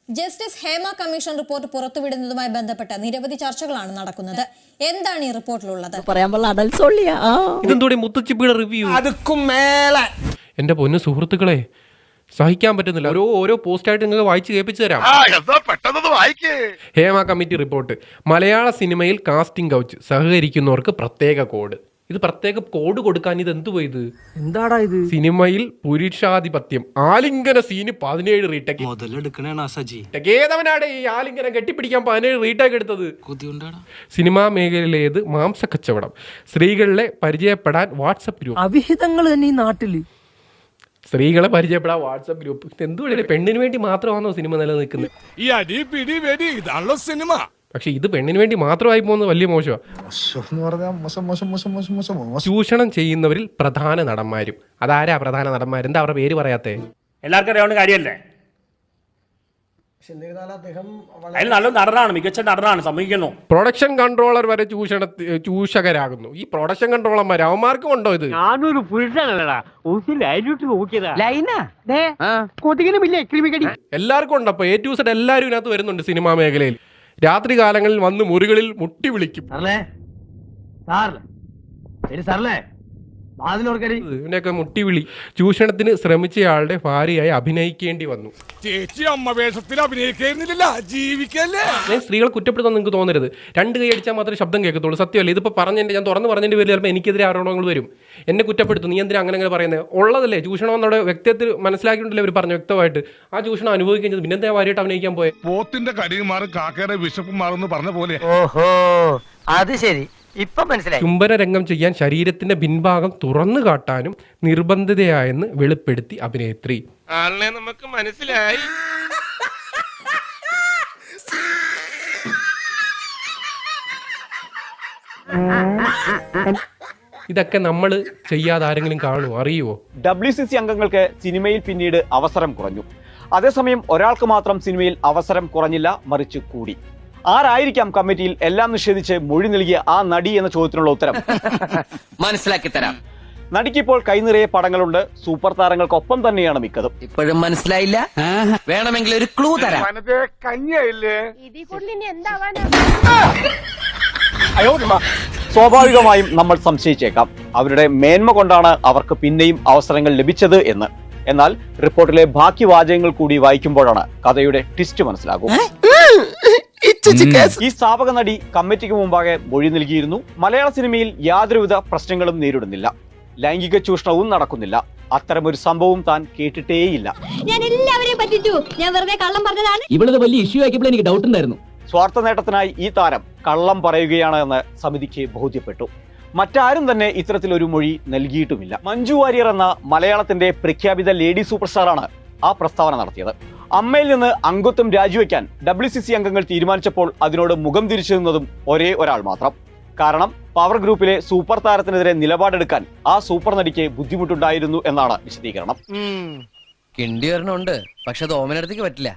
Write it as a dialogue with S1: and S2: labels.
S1: Justice Hema commission report പുറത്തുവിടുന്നതുമായി ബന്ധപ്പെട്ട നിരവധി ചർച്ചകളാണ് നടക്കുന്നത്. എന്താണ് ഈ റിപ്പോർട്ടിലുള്ളത്?
S2: ഇതെന്തോടെ മുത്തുച്ചിപ്പിയുടെ റിവ്യൂ? എന്റെ പൊന്നു സുഹൃത്തുക്കളെ, സഹിക്കാൻ പറ്റുന്നില്ല. ഓരോ പോസ്റ്റായിട്ട് നിങ്ങൾക്ക് വായിച്ച് കേൾപ്പിച്ചു തരാം. Hema committee report. മലയാള സിനിമയിൽ കാസ്റ്റിംഗ് കൗച്ച് സഹകരിക്കുന്നവർക്ക് പ്രത്യേക കോഡ്. ഇത് പ്രത്യേക കോഡ് കൊടുക്കാൻ ഇത് എന്തു പോയത്?
S3: എന്താടാ ഇത്?
S2: സിനിമയിൽ പുരുഷാധിപത്യം ആലിംഗന സീന് 17 റീടേക്ക്. ഏതവനാണ് ഈ ആലിംഗനം കെട്ടിപ്പിടിക്കാൻ 17 റീടേക്ക് എടുത്തത്? സിനിമാ മേഖലയിലേത് മാംസ കച്ചവടം, സ്ത്രീകളെ പരിചയപ്പെടാൻ വാട്സപ്പ് ഗ്രൂപ്പ്.
S3: അവിഹിതങ്ങൾ തന്നെ ഈ നാട്ടില്.
S2: സ്ത്രീകളെ പരിചയപ്പെടാൻ വാട്സപ്പ് ഗ്രൂപ്പ്. എന്തുകൊണ്ടല്ലേ പെണ്ണിന് വേണ്ടി മാത്രമാണോ സിനിമ നിലനിൽക്കുന്നത്? പക്ഷെ ഇത് പെണ്ണിന് വേണ്ടി മാത്രമായി പോകുന്നത് വലിയ മോശമാണ്. ചൂഷണം ചെയ്യുന്നവരിൽ പ്രധാന നടന്മാരും. അതാരാ പ്രധാന നടന്മാർ? എന്താ അവരുടെ പേര് പറയാത്തേ?
S4: എല്ലാവർക്കും അറിയാവുന്ന കാര്യമല്ലേ? നല്ല നടനാണ്, മികച്ച നടനാണ്, സമ്മതിക്കുന്നു.
S2: പ്രൊഡക്ഷൻ കൺട്രോളർ വരെ ചൂഷകരാകുന്നു. ഈ പ്രൊഡക്ഷൻ കൺട്രോളർമാർ അവന്മാർക്കും ഉണ്ടോ ഇത്?
S5: ഞാനൊരു പുരുഷനല്ലടാ,
S2: എല്ലാവർക്കും ഉണ്ട്. അപ്പൊ A to Z എല്ലാവരും ഇതിനകത്ത് വരുന്നുണ്ട്. സിനിമാ മേഖലയിൽ രാത്രി കാലങ്ങളിൽ വന്ന് മുറികളിൽ മുട്ടി വിളിക്കും. ഇതിനൊക്കെ മുട്ടിവിളി. ചൂഷണത്തിന് ശ്രമിച്ചയാളുടെ ഭാര്യയായി അഭിനയിക്കേണ്ടി വന്നു. ഞാൻ സ്ത്രീകളെ കുറ്റപ്പെടുത്താൻ നിങ്ങൾക്ക് തോന്നരുത്. 2 കൈ അടിച്ചാൽ മാത്രമേ ശബ്ദം കേൾക്കത്തുള്ളൂ. സത്യമല്ലേ? ഇതിപ്പോൾ ഞാൻ തുറന്ന് പറഞ്ഞതിന്റെ പേരിൽ ചിലപ്പോൾ എനിക്കെതിരെ ആരോപണങ്ങൾ വരും. എന്നെ കുറ്റപ്പെടുത്തും. നീ എന്തിനാ അങ്ങനെ പറയുന്നത്? ഉള്ളതല്ലേ ചൂഷണം എന്നോട് വ്യക്തിത്വത്തിൽ മനസ്സിലാക്കിയിട്ടുണ്ടല്ലേ അവർ പറഞ്ഞു വ്യക്തമായിട്ട്. ആ ചൂഷണം അനുഭവിക്കുന്നത് പിന്നെ എന്താ ഭാര്യയായിട്ട് അഭിനയിക്കാൻ പോയെ?
S6: പോത്തിന്റെ കടിയും മാറും കാക്കയുടെ വിശപ്പും മാറും പറഞ്ഞ പോലെ.
S5: ഓഹോ, അത് ശരി, ഇപ്പൊ മനസ്സിലായി.
S2: ചുംബന രംഗം ചെയ്യാൻ ശരീരത്തിന്റെ പിൻഭാഗം തുറന്നു കാട്ടാനും നിർബന്ധിതയായെന്ന് വെളിപ്പെടുത്തി അഭിനേത്രി.
S6: ആളിനെ നമുക്ക് മനസ്സിലായി.
S2: ഇതൊക്കെ നമ്മൾ ചെയ്യാതെ ആരെങ്കിലും കാണുമോ? അറിയുമോ?
S7: WCC അംഗങ്ങൾക്ക് സിനിമയിൽ പിന്നീട് അവസരം കുറഞ്ഞു. അതേസമയം ഒരാൾക്ക് മാത്രം സിനിമയിൽ അവസരം കുറഞ്ഞില്ല, മറിച്ച് കൂടി. ആരായിരിക്കാം കമ്മിറ്റിയിൽ എല്ലാം നിഷേധിച്ച് മൊഴി നൽകിയ ആ നടി എന്ന ചോദ്യത്തിനുള്ള ഉത്തരം
S8: മനസ്സിലാക്കി തരാം.
S7: നടിക്കിപ്പോൾ കൈനിറയെ പടങ്ങളുണ്ട്. സൂപ്പർ താരങ്ങൾക്കൊപ്പം തന്നെയാണ് മിക്കതും.
S8: ഇപ്പോഴും മനസ്സിലായില്ല? വേണമെങ്കിൽ ഒരു ക്ലൂ തരാം.
S7: സ്വാഭാവികമായും നമ്മൾ സംശയിച്ചേക്കാം അവരുടെ മേന്മ കൊണ്ടാണ് അവർക്ക് പിന്നെയും അവസരങ്ങൾ ലഭിച്ചത് എന്ന്. എന്നാൽ റിപ്പോർട്ടിലെ ബാക്കി വാചകങ്ങൾ കൂടി വായിക്കുമ്പോഴാണ് കഥയുടെ ട്വിസ്റ്റ് മനസ്സിലാകും. ഈ സ്ഥാപക നടി കമ്മിറ്റിക്ക് മുമ്പാകെ മൊഴി നൽകിയിരുന്നു. മലയാള സിനിമയിൽ യാതൊരുവിധ പ്രശ്നങ്ങളും നേരിടുന്നില്ല, ലൈംഗിക ചൂഷണവും നടക്കുന്നില്ല, അത്തരമൊരു സംഭവം താൻ കേട്ടിട്ടേയില്ല.
S8: ഇവളത് വലിയ ഇഷ്യൂ ആക്കിയപ്പോൾ എനിക്ക് ഡൗട്ട് ഉണ്ടായിരുന്നു.
S7: സ്വാർത്ഥ നേട്ടത്തിനായി ഈ താരം കള്ളം പറയുകയാണ് എന്ന് സമിതിക്ക് ബോധ്യപ്പെട്ടു. മറ്റാരും തന്നെ ഇത്തരത്തിലൊരു മൊഴി നൽകിയിട്ടുമില്ല. മഞ്ജു വാര്യർ എന്ന മലയാളത്തിന്റെ പ്രഖ്യാപിത ലേഡി സൂപ്പർ സ്റ്റാറാണ് ആ പ്രസ്താവന നടത്തിയത്. അമ്മയിൽ നിന്ന് അംഗത്വം രാജിവെക്കാൻ WCC അംഗങ്ങൾ തീരുമാനിച്ചപ്പോൾ അതിനോട് മുഖം തിരിച്ചു നിന്നതും ഒരേ ഒരാൾ മാത്രം. കാരണം പവർ ഗ്രൂപ്പിലെ സൂപ്പർ താരത്തിനെതിരെ നിലപാടെടുക്കാൻ ആ സൂപ്പർ നടിക്ക് ബുദ്ധിമുട്ടുണ്ടായിരുന്നു എന്നാണ് വിശദീകരണം.
S8: കിണ്ടി ഒരെണ്ണമുണ്ട്, പക്ഷെ അത് ഓമനടുത്തേക്ക് പറ്റില്ല.